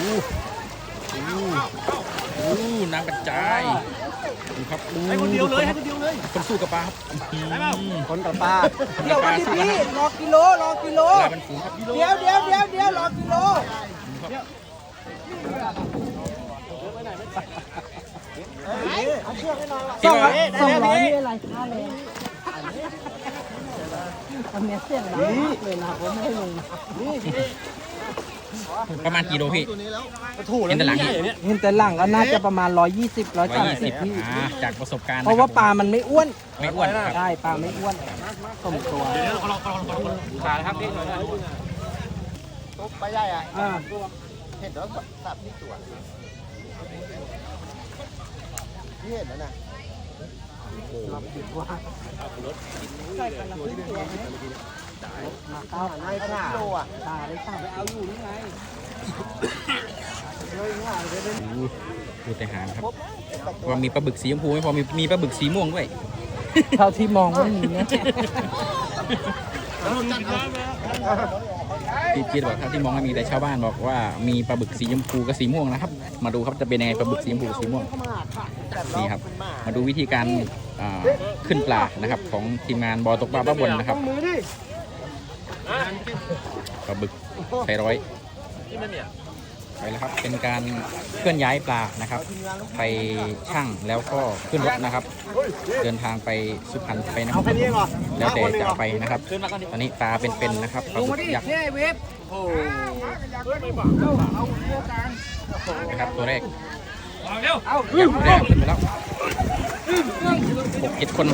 น้ำกระจายดูครับให้คนเดียวเลยคนสู้กับปลาครับคนกับปลาเดี๋ยววันนี้พี่รอกิโลปลาเป็นฝูงครับเดี๋ยวรอกิโล200นี่อะไรค่าเลยอันนี้เสียงดังมากเลยนะผมไม่ให้ลงประมาณกี่โลพี่เห็นแต่หลังก็น่าจะประมาณ120 130พี่จากประสบการณ์เพราะว่าปลามันไม่อ้วนใช่ปลาไม่อ้วนสมตัวขาครับพี่ตุ๊กปลาใหญ่อ่ะเห็นแล้วสับที่ตัวนี่เห็นแล้วนะรับผิดว่าใส่กันละครึ่งตัวมาเข้าในขาโลอ่ะตาได้สั่งเอาอยู่นี่ไงดูแต่หางครับว่ามีปลาบึกสีชมพูไม่พอมีปลาบึกสีม่วงด้วยเท่าที่มองไม่มีนะพี่เจี๊ยบบอกเท่าที่มองไม่มีแต่ชาวบ้านบอกว่ามีปลาบึกสีชมพูกับสีม่วงนะครับมาดูครับจะเป็นยังไงปลาบึกสีชมพูสีม่วงนี่ครับมาดูวิธีการขึ้นปลานะครับของทีมงานบอตกปลาป้าบนนะครับปลาบึกไทร้อยไปแล้วครับเป็นการเคลื่อนย้ายปลานะครับไปช่างแล้วก็ขึ้นรถนะครับเดินทางไปสุพรรณไปนะครับแล้วแต่จะไปนะครับตอนนี้ปลาเป็นๆนะครับปลาบึกยักษ์นะครับตัวแรกยักษ์ตัวแรกขึ้นไปแล้ว6-7 คน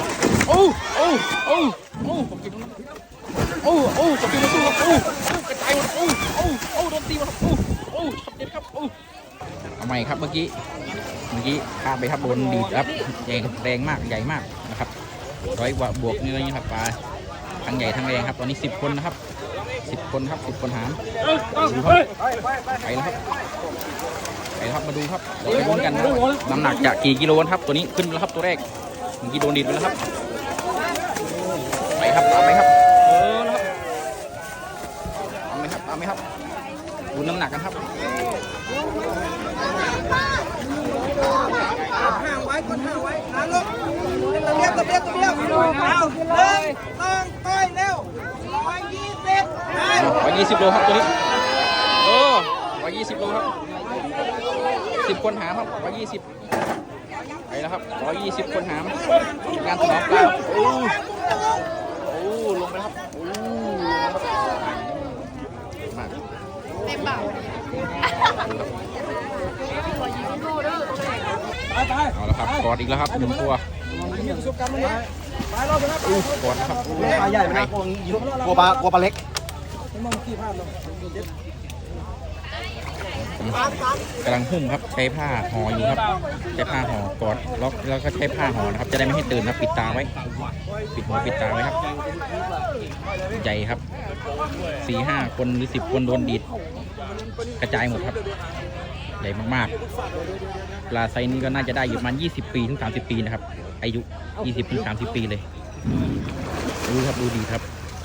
6-7 คนกับตีมาสู้ครับกระจายหมดโดนตีมาครับขับเด็ดครับเอาใหม่ครับเมื่อกี้ข้ามไปครับโดนดีดครับแรงมากใหญ่มากนะครับ100 กว่าบวกนี่เลยครับปลาทั้งใหญ่ทั้งแรงครับตอนนี้10 คนนะครับ10 คนครับ10 คนหามดูครับไปแล้วครับมาดูครับไปลุ้นกันน้ำหนักจะกี่กิโลครับตัวนี้ขึ้นแล้วครับตัวแรกเมื่อกี้โดนดีดไปแล้วครับไปครับตามไปครับตามไหมครับดูน้ำหนักกันครับห่างไว้นะลูกตะเบียบเอาเลยต้องต้อยเร็ว 120 โลครับตัวนี้120 โลครับ10 คนหามครับ120ไปแล้วครับ120 คนหามงานถนอมปลาลงไปครับเต็มบ่าเอาละครับกอดอีกแล้วครับ1 ตัวกอดครับปลาใหญ่ไหมกลัวปลาเล็กกำลังหุ้มครับใช้ผ้าห่ออยู่ครับใช้ผ้าห่อกอดล็อกแล้วก็ใช้ผ้าห่อนะครับจะได้ไม่ให้ตื่นนะปิดตาไว้ปิดหูปิดตาไว้ครับใหญ่ครับ 4-5 คนหรือ10 คนโดนดีดกระจายหมดครับใหญ่มากๆปลาไซนี้ก็น่าจะได้อยู่ประมาณ20 ปีถึง30 ปีนะครับอายุ20 ถึง 30 ปีเลยดูครับดูดีครับ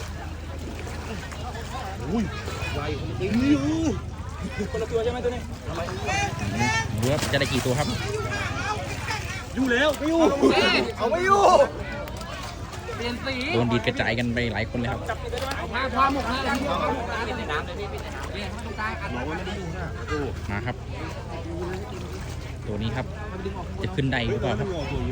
คนละตัวใช่ไหมตัวนี้เนื้อจะได้กี่ตัวครับอยู่แล้วไม่อยู่เอาไม่อยู่เปลี่ยนสีโดนดีดกระจายกันไปหลายคนเลยครับมาหมกนะปิดในน้ำเลยพี่ปิดในน้ำเลยตรงกลางอัดไม่ได้อยู่นะมาครับตัวนี้ครับจะขึ้นได้หรือเปล่าครับ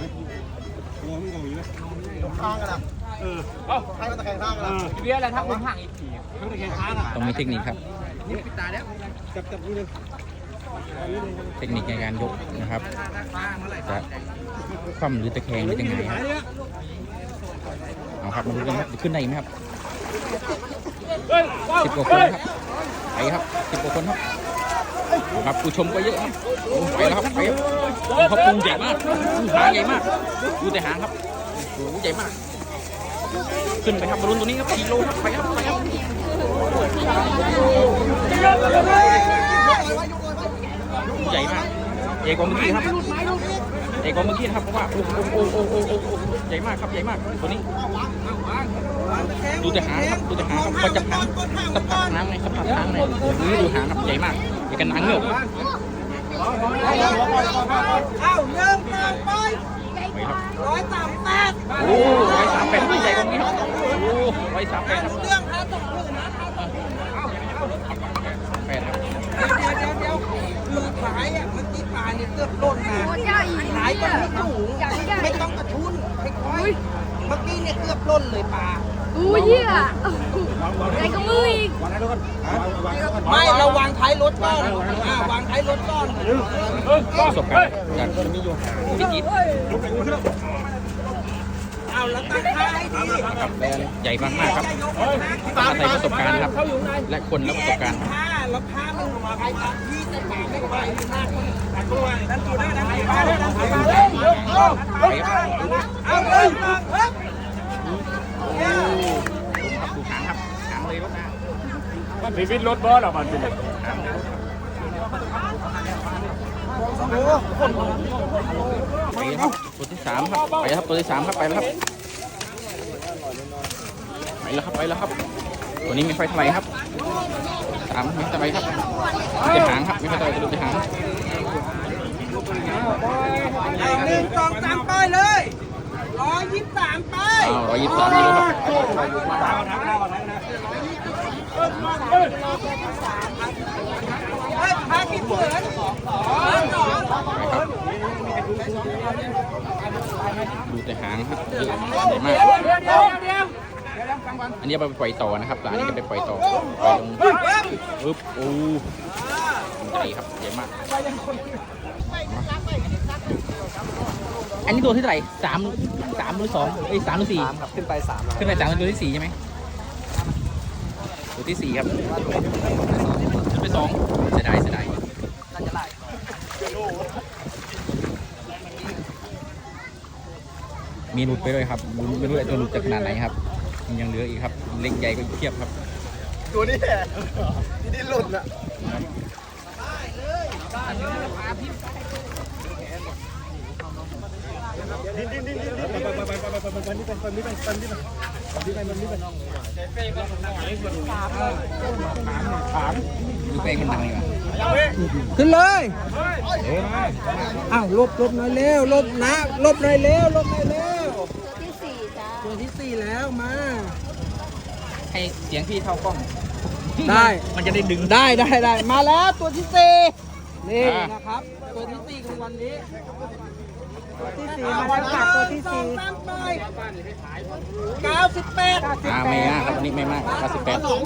ข้างกันนะให้มันตะแคงข้างกันนะเบี้ยอะไรถ้าผมห่างอีกทีตะแคงข้างอ่ะต้องมีเทคนิคครับปิดตาแล้วจับนี่เลยเทคนิคในการยกนะครับจะคว่ำหรือตะแคงหรือยังไงครับเอาครับมาดูกันครับขึ้นได้ไหมครับ10 กว่าคนครับไปครับ10 กว่าคนครับผู้ชมก็เยอะครับไปแล้วครับไปครับเขาปรุงใหญ่มากหางใหญ่มากดูแต่หางครับโอ้โหใหญ่มากขึ้นไปครับบอลลูนตัวนี้ครับ4 โลครับไปครับใหญ่มากใหญ่กว่าเมื่อกี้ครับใหญ่กว่าเมื่อกี้ครับเพราะว่าโอ้ใหญ่มากครับใหญ่มากตัวนี้ดูแต่หางครับดูแต่หางครับก็จะหางสะพัดหางเลยสะพัดหางเลยดูหางครับใหญ่มากใหญ่กันหางเงือกเอาเริ่มต่อไปไปครับ 138 โอ้138ใหญ่กว่านี้ครับโอ้138ครับเรื่องครับต้องพูดนะ 8ครับเดี๋ยวคือขายอ่ะเมื่อกี้ปลาเนี่ยเกือบล้นนะขายก็ไม่สูงไม่ต้องกระทุนค่อยๆเมื่อกี้เนี่ยเกือบล้นเลยปลาอู้เหี้ยใหญ่กว่ามืออีกไม่เราวางท้ายรถก้อนวางท้ายรถก้อนประสบการณ์จากพิจิตรเอาแล้วตั้งท้ายให้ดีครับใหญ่มากๆครับอาศัยประสบการณ์ครับ และคนและประสบการณ์ผ้าแล้วผ้ามันมาไปตามที่แต่ปลาไม่ไปมากตัวนั่นตัวได้นั่นตัวได้นั่นตัวได้ไปครับเอาเลยครับครับดูหางครับหางเลยรถนะมันชีวิตรถบอสหรอมันเป็นไปครับตัวที่3ครับไปครับตัวที่3ครับไปแล้วครับไปแล้วครับตัวนี้ไม่ค่อยเท่าไหร่ครับ3ไม่เท่าไหร่ครับจะหางครับไม่ค่อยเท่าไหร่จะหาง 1 2 3ไปเลย123ไป 123กิโลครับผ้ากี่เหมือนดูแต่หางครับเยอะใหญ่มากอันนี้เอาไปปล่อยต่อนะครับปลานี้ก็ไปปล่อยต่อปล่อยลงปึ๊บโอ้ใหญ่ครับใหญ่มากอันนี้ตัวที่เท่าไหร่3หรือ2เอ้ย3หรือ4 ขึ้นไป3 ขึ้นไป3เป็นตัวที่4ใช่ไหมตัวที่4ครับขึ้นไป2เสียดายมีหลุดไปด้วยครับไม่รู้ไอ้ตัวหลุดจะขนาดไหนครับยังเหลืออีกครับเล็กใหญ่ก็อีกเทียบครับตัวนี้แหละที่หลุดอ่ะดูแป้งมันหนังอยู่ขึ้นเลยอ้าวลบหน่อยเร็วลบนะลบหน่อยเร็วลบหน่อยเร็วตัวที่สี่จ้าตัวที่4แล้วมาให้เสียงพี่เข้ากล้องได้มันจะได้ดึงได้มาแล้วตัวที่4นี่นะครับตัวที่4ของวันนี้ตัวที่4มาแล้วค่ะตัวที่4 98 ไม่มากครับวันนี้ไม่มาก98 98โล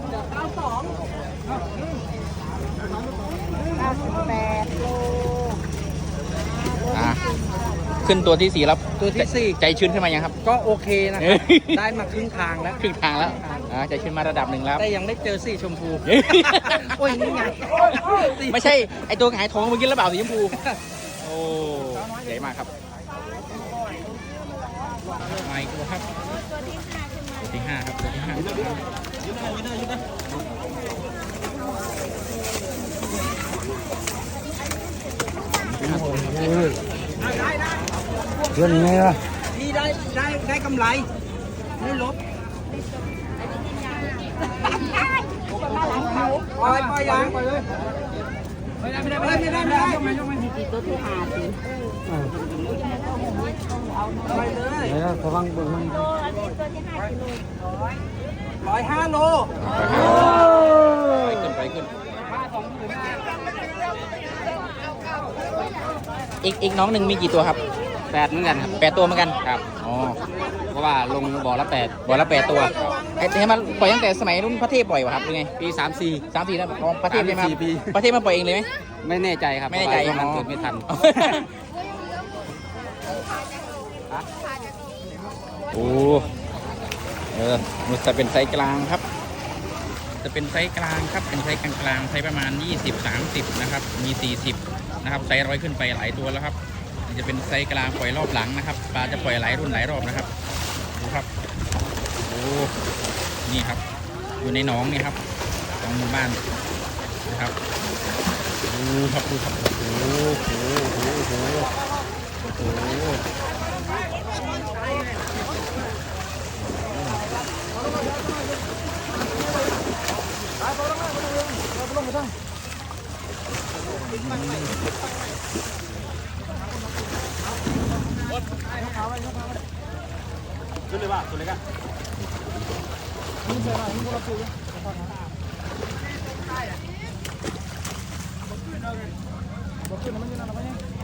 ขึ้นตัวที่4แล้วตัวที่ใจชื้นขึ้นมายังครับ 4ก็โอเคนะครับได้มาครึ่งทางแล้วครึ่งทางแล้วใจชื้นมาระดับหนึ่งแล้วแต่ยังได้เจอสีชมพูโอ้ยนี่ไงไม่ใช่ไอตัวหงายท้องเมื่อกี้แล้วเปล่าสีชมพูโอ้ใหญ่มากครับมาอีกตัวครับตัวที่5ครับตัวที่5 เรื่องไงล่ะพี่ได้กำไรไม่ลบปล่อยยางไปเลยไม่ได้ตัวที่5สิไปเลยระวังบึ้งมัน105 โลไปขึ้นอีกน้องหนึ่งมีกี่ตัวครับ8เหมือนกันครับ8ตัวเหมือนกันครับอ๋อเพราะว่าลงบ่อละ8ตัวไอ้ที่มันปล่อยตั้งแต่สมัยรุ่นพระเทพปล่อยวะครับหรือไงปี34แล้วพระเทพใช่ไหมครับพระเทพมาปล่อยเองเลยไหมไม่แน่ใจครับไม่แน่ใจมันเกิดไม่ทันโอ้มันจะเป็นไซส์กลางครับจะเป็นไซส์กลางครับเป็นไซส์กลางไซส์ประมาณ20-30นะครับมี40นะครับไซส์100ขึ้นไปหลายตัวแล้วครับจะเป็นไซส์กลางปล่อยรอบหลังนะครับปลาจะปล่อยหลายรุ่นหลายรอบนะครับดูครับโอ้นี่ครับอยู่ในหนองนี่ครับของหมู่บ้านนะครับดูครับโอ้โหขึ้นเลยป่ะตัวเล็กอ่ะบอกขึ้นมันอยู่นั่นแล้ว